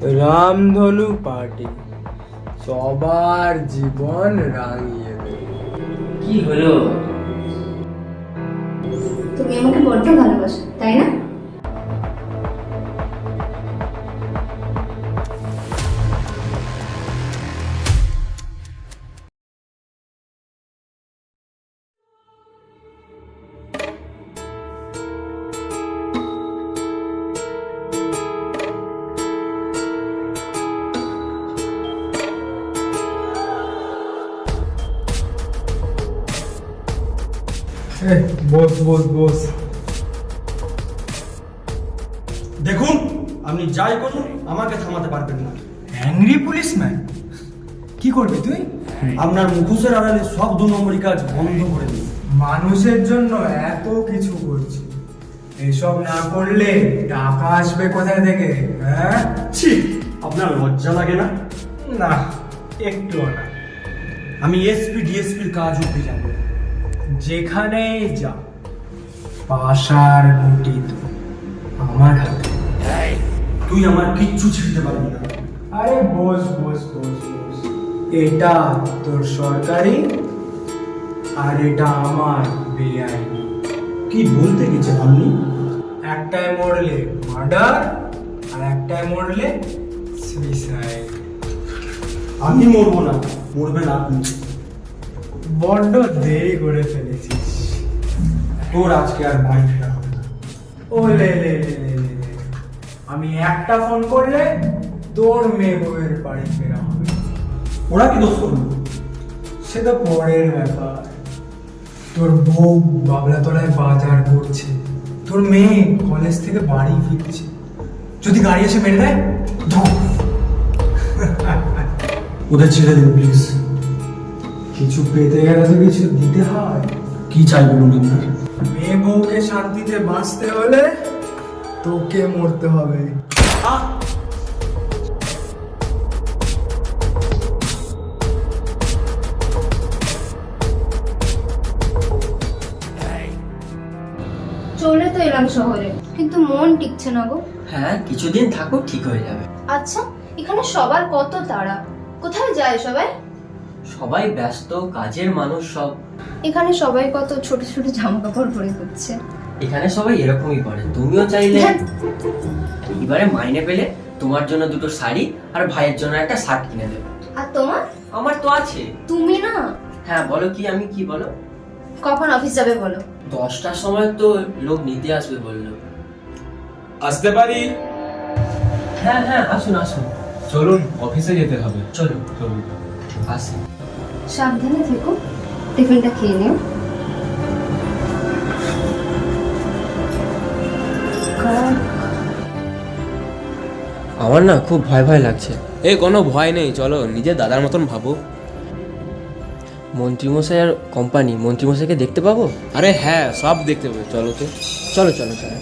রামধনু পার্টি সবার জীবন রাঙিয়ে দেবে। কি হলো? তুমি আমাকে বড্ড ভালোবাসো, তাই না? বস বস বস। দেখুন, আপনি যাই করুন আমাকে থামাতে পারবেন না। অ্যাংরি পুলিশম্যান, কি করবি তুই? আপনার মুখোশের আড়ালে সব 2 নম্বরই কাজ বন্ধ করে দিন। মানুষের জন্য এত কিছু করছি, এসব না করলে টাকা আসবে কোথায় থেকে? হ্যাঁ, ছি, আপনার লজ্জা লাগে না? না, একটুও না। আমি এসপি ডিএসপির কাজ অব্দি যাবো। যেখানেই যা, পাশার গুটি তো আমার হাতে। তুই আমার কিচ্ছু ছিঁড়তে পারবি না। আরে বস বস বস বস, এটা তোর সরকারি আর এটা আমার বেআইনি। কি বলতে গেছেন আপনি? একটায় মরলে মার্ডার আর একটায় মরলে সুইসাইড। আমি মরবো না, মরবেন আপনি। বড্ড দেরি করে ফেলেছিস। তোর আজকে আর বাড়ি ফেরা হবে না। ও লে লে লে লে লে লে। আমি একটা ফোন করলে তোর মেয়ে বউয়ের বাড়ি ফেরা হবে। ওরা কি দোষ করলো? সেটা পরের ব্যাপার। তোর বউ বাবলাতলায় বাজার করছে, তোর মেয়ে কলেজ থেকে বাড়ি ফিরছে, যদি গাড়ি এসে মেরে দেয়, ধুর। ওদের ছেড়ে দিন প্লিজ। কিছু পেতে গেলে তো কিছু দিতে হয়। কি চাই বলুন আপনার? মেয়ে বউকে শান্তিতে বাঁচতে হলে তোকে মরতে হবে। চলে তো এলাম শহরে, কিন্তু মন টিকছে না গো। হ্যাঁ, কিছুদিন থাকো, ঠিক হয়ে যাবে। আচ্ছা, এখানে সবার কত তাড়া, কোথায় যায় সবাই? সবাই ব্যস্ত, কাজের মানুষ সব। এখানে সবাই কত ছোট ছোট জামা কাপড় পরে ঘুরছে। এখানে সবাই এরকমই করে, তুমিও চাইলে এবারে মাইনে পেলে তোমার জন্য 2টো শাড়ি আর ভাইয়ের জন্য একটা শার্ট কিনে দেবে। আর তোমার? আমার তো আছে। তুমি না? হ্যাঁ বলো, কি আমি কি বলো? কখন অফিস যাবে বলো? 10টার সময় তো লোক নিতে আসবে বললো। আসতে পারি? হ্যাঁ হ্যাঁ, আসুন আসুন। চলুন, অফিসে যেতে হবে। চলো চলুন। আসি। সাবধানে থেকো, টিফিনটা খেয়ে নিও। আমার না খুব ভয় ভয় লাগছে। এই কোনো ভয় নেই, চলো নিজের দাদার মতন ভাবো। মন্ত্রীমশাই আর কোম্পানি, মন্ত্রীমশাইকে দেখতে পাবো? আরে হ্যাঁ, সব দেখতে পাবে, চলো তো। চলো চলো চলো।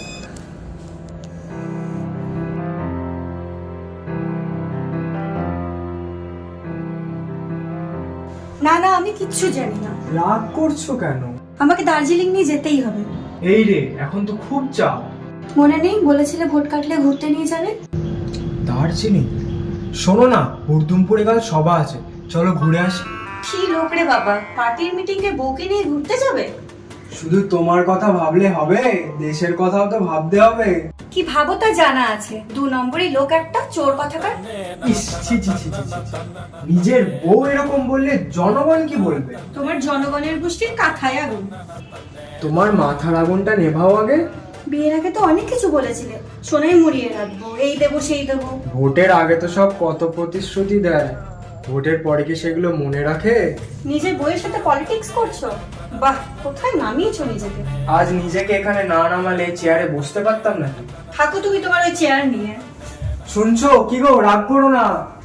না না, আমি কিচ্ছু জানি না। রাগ করছো কেন? আমাকে দার্জিলিং নিয়ে যেতেই হবে। এই রে, এখন তো খুব চাপ। মনে নেই বলেছিলে ভোট কাটলে ঘুরতে নিয়ে যাবে? দার্জিলিং? শোনো না, হুড়দুমপুরে কাল সভা আছে, চলো ঘুরে আসি। কি লোক রে বাবা, পার্টির মিটিং এ বউকে নিয়ে ঘুরতে যাবে? শুধু তোমার কথা ভাবলে হবে, দেশের কথাও তো ভাবতে হবে। কি ভাবো তা জানা আছে, 2 নম্বরই লোক একটা, চোর কথাকার। ইস, ছি ছি ছি ছি ছি। নিজের বউ এরকম বললে জনগণ কি বলবে? তোমার জনগণের গোষ্ঠীর কাঁথায় আগুন। তোমার মাথার আগুনটা নেভাও আগে। বিয়ের আগে তো অনেক কিছু বলেছিলে, সোনাই মুড়িয়ে রাখবো, এই দেবো সেই দেবো। ভোটের আগে তো সব কত প্রতিশ্রুতি দেয়, ভোটের পরে কি সেগুলো মনে রাখে? নিজের বউয়ের সাথে পলিটিক্স করছো? বাহ, কোথায় নামিয়েছো নিজেকে। আজ নিজেকে এখানে না নামালে চেয়ারে বসতে পারতাম না। থাকো তুমি তোমার ওই চেয়ার নিয়ে। শুনছো কি গো, রাগ করো না।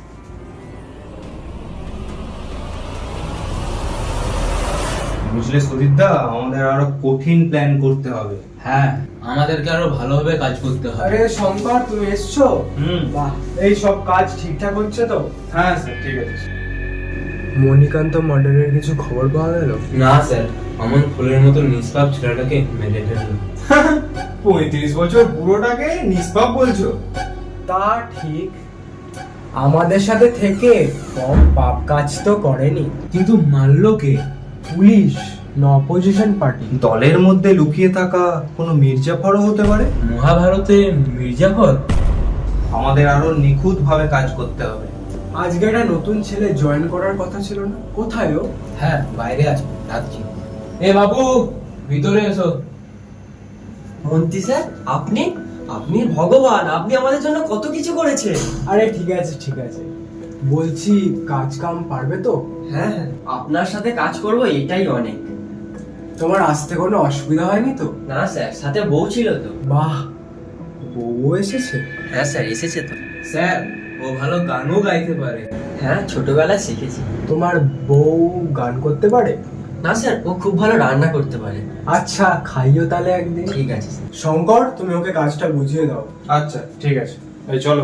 বুঝলে সুদীপদা, আমাদের আরো কঠিন প্ল্যান করতে হবে। হ্যাঁ, আমাদেরকে আরো ভালোভাবে কাজ করতে হবে। আরে শঙ্কর, তুমি এসছো? বাহ, এই সব কাজ ঠিকঠাক হচ্ছে তো? হ্যাঁ স্যার, ঠিক আছে। মণিকান্ত মার্ডারের কিছু খবর পাওয়া গেল? না স্যার, অমন ফুলের মতো নিষ্পাপ ছেলেটাকে মেরে ফেলল। 35 বছর বুড়োটাকে নিষ্পাপ বলছো? তা ঠিক, আমাদের সাথে থেকে কম পাপ কাজ তো করেনি। কিন্তু মারলো কে? পুলিশ না অপোজিশন পার্টি? দলের মধ্যে লুকিয়ে থাকা কোনো মির্জাফরও হতে পারে। মহাভারতে মির্জাফর? আমাদের আরো নিখুঁত ভাবে কাজ করতে হবে। আজকে একটা নতুন ছেলে জয়েন করার কথা ছিল না, কোথায় ও? হ্যাঁ, বাইরে আছে, ডাকছি। এ বাবু, ভিতরে এসো। মন্ত্রী স্যার, আপনি আপনি ভগবান, আপনি আমাদের জন্য কত কিছু করেছেন। আরে ঠিক আছে ঠিক আছে, বলছি কাজ কাম পারবে তো? হ্যাঁ হ্যাঁ, আপনার সাথে কাজ করব এটাই অনেক। তোমার আসতে কোনো অসুবিধা হয়নি তো? না স্যার, সাথে বউ ছিল তো। বাহ, বউ এসেছে? হ্যাঁ স্যার, এসেছে তো। স্যার, ও ভালো গানও গাইতে পারে। হ্যাঁ, ছোটবেলায় শিখেছি। তোমার বউ গান করতে পারে? না স্যার, ও খুব ভালো রান্না করতে পারে। আচ্ছা, খাইও তাহলে একদিন। ঠিক আছে স্যার। শঙ্কর, তুমি ওকে কাজটা বুঝিয়ে দাও। আচ্ছা ঠিক আছে, এই চলো।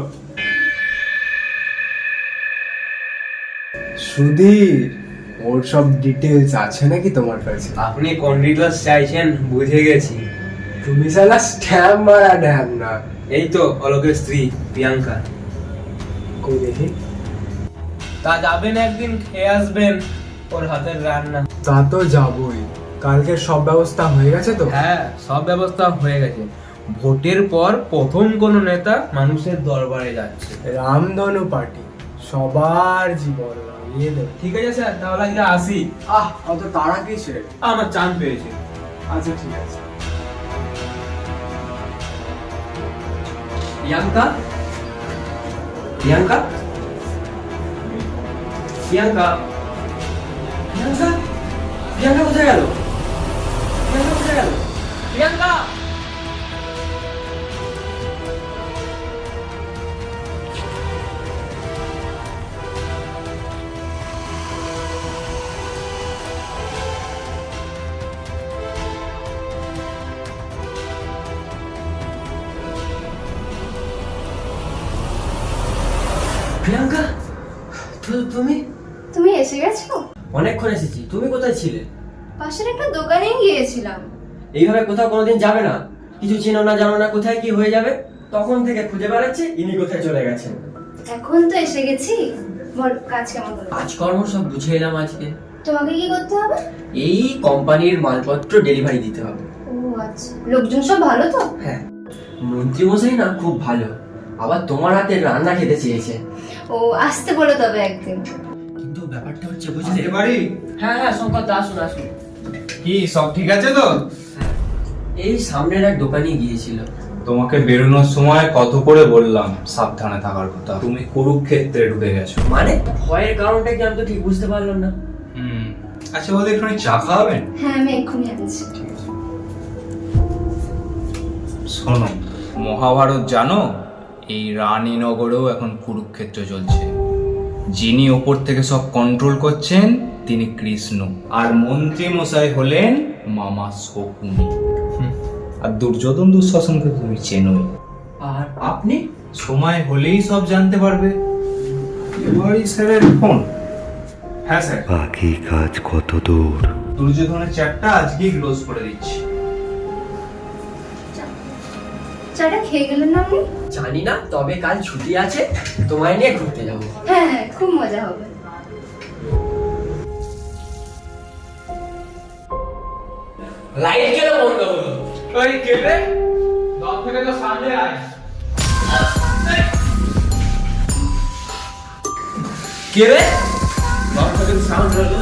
সুধীর, ওর সব ডিটেলস আছে নাকি তোমার কাছে? আপনি কোন ডিটেলস চাইছেন বুঝে গেছি। তুমি সালা স্ট্যাম্প মারা ড্যাম না। এই তো অলোকের স্ত্রী প্রিয়াঙ্কা। কই দেখি। তা যাবেন একদিন, খেয়ে আসবেন ওর হাতের রান্না। তা তো যাবই। কালকের সব ব্যবস্থা হয়ে গেছে তো? হ্যাঁ, সব ব্যবস্থা হয়ে গেছে। ভোটের পর প্রথম কোন নেতা মানুষের দরবারে যাচ্ছে। রামধনু পার্টি সবার জীবন লাগিয়ে দেবে। ঠিক আছে স্যার, তাহলে আজকে আসি। অত তাড়া কিসের? আমার চান পেয়েছে। আচ্ছা ঠিক আছে। প্রিয়াঙ্কা, প্রিয়াঙ্কা, প্রিয়াঙ্কা, প্রিয়াঙ্কা, প্রিয়াঙ্কা কোথায় গেল? প্রিয়াঙ্কা কোথায় গেল? প্রিয়াঙ্কা! প্রিয়াঙ্কা, তুমি তুমি এসে গেছো? অনেকক্ষণ এসেছি। তুমি কোথায় ছিলে? পাশের একটা দোকানে গিয়েছিলাম। এইভাবে কোথাও কোনোদিন যাবে না। কিছু চেনো না, জানো না, কোথায় কি হয়ে যাবে। তখন থেকে খুঁজে বেড়াচ্ছি ইনি কোথায় চলে গেছেন। এখন তো এসে গেছি। বল, কাজ কেমন হলো? কাজকর্ম সব বুঝে এলাম আজকে। তোমাকে কি করতে হবে? এই কোম্পানির মালপত্র ডেলিভারি দিতে হবে। ও আচ্ছা, লোকজন সব ভালো তো? হ্যাঁ, মন্ত্রী মশাই না খুব ভালো, আবার তোমার হাতের রান্না খেতে চেয়েছে। ও, আসতে বলো তবে একদিন। কিন্তু ব্যাপারটা হচ্ছে বুঝলে। বাড়ি হ্যাঁ হ্যাঁ, শঙ্কর দা, আসুন আসুন। কি সব ঠিক আছে তো? এই সামনের এক দোকানে গিয়েছিল। তোমাকে বেরোনোর সময় কত করে বললাম সাবধানে থাকার কথা, তুমি কুরুক্ষেত্রে ঢুকে গেছো। মানে ভয়ের কারণটা কি আমি তো ঠিক বুঝতে পারলাম না। আচ্ছা বলতে একটু চা খাওয়াবেন? হ্যাঁ, আমি এক্ষুনি আনছি। শোনো, মহাভারত জানো? এই রানীনগরেও এখন কুরুক্ষেত্র চলছে। যিনি ওপর থেকে সব কন্ট্রোল করছেন তিনি কৃষ্ণ, আর মন্ত্রী মশাই হলেন মামা শকুনি। আর দুর্যোধন দুঃশাসনকে তুমি চেনোই। আর আপনি? সময় হলেই সব জানতে পারবে। এবারই স্যারের ফোন। হ্যাঁ স্যার, বাকি কাজ কত দূর? দুর্যোধনের চ্যাটটা আজকেই ক্লোজ করে দিচ্ছি। চাটা খেয়ে গেলেন না আপনি? জানি না, তবে কাল ছুটি আছে, তোমায় নিয়ে ঘুরতে যাবো। হ্যাঁ হ্যাঁ, খুব মজা হবে। লাইট কেন বন্ধ হলো? ওই কে রে? দম থেকে তো সামনে আয়। কে রে? দম থেকে তো সাউন্ড হলো।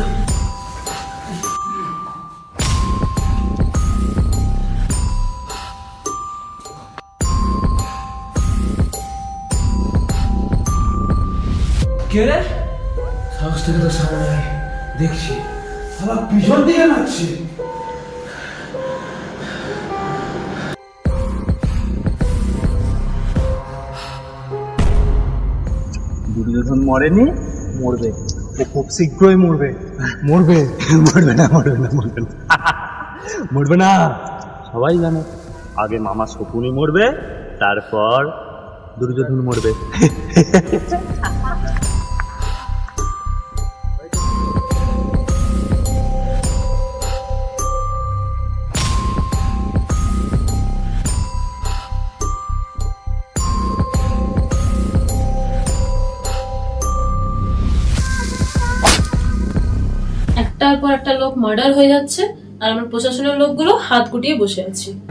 কে রে? সাহস থেকে তো সামনে আয়, দেখছি আবার পিছন দিকে নাচছে। দুর্যোধন মরেনি, মরবে। ও খুব শীঘ্রই মরবে। মরবে মরবে না, মরবে না, মরবে না, মরবে না। সবাই জানে আগে মামা শকুনি মরবে, তারপর দুর্যোধন মরবে। একটার পর একটা লোক মার্ডার হয়ে যাচ্ছে আর আমরা প্রশাসনের লোকগুলো হাত গুটিয়ে বসে আছি।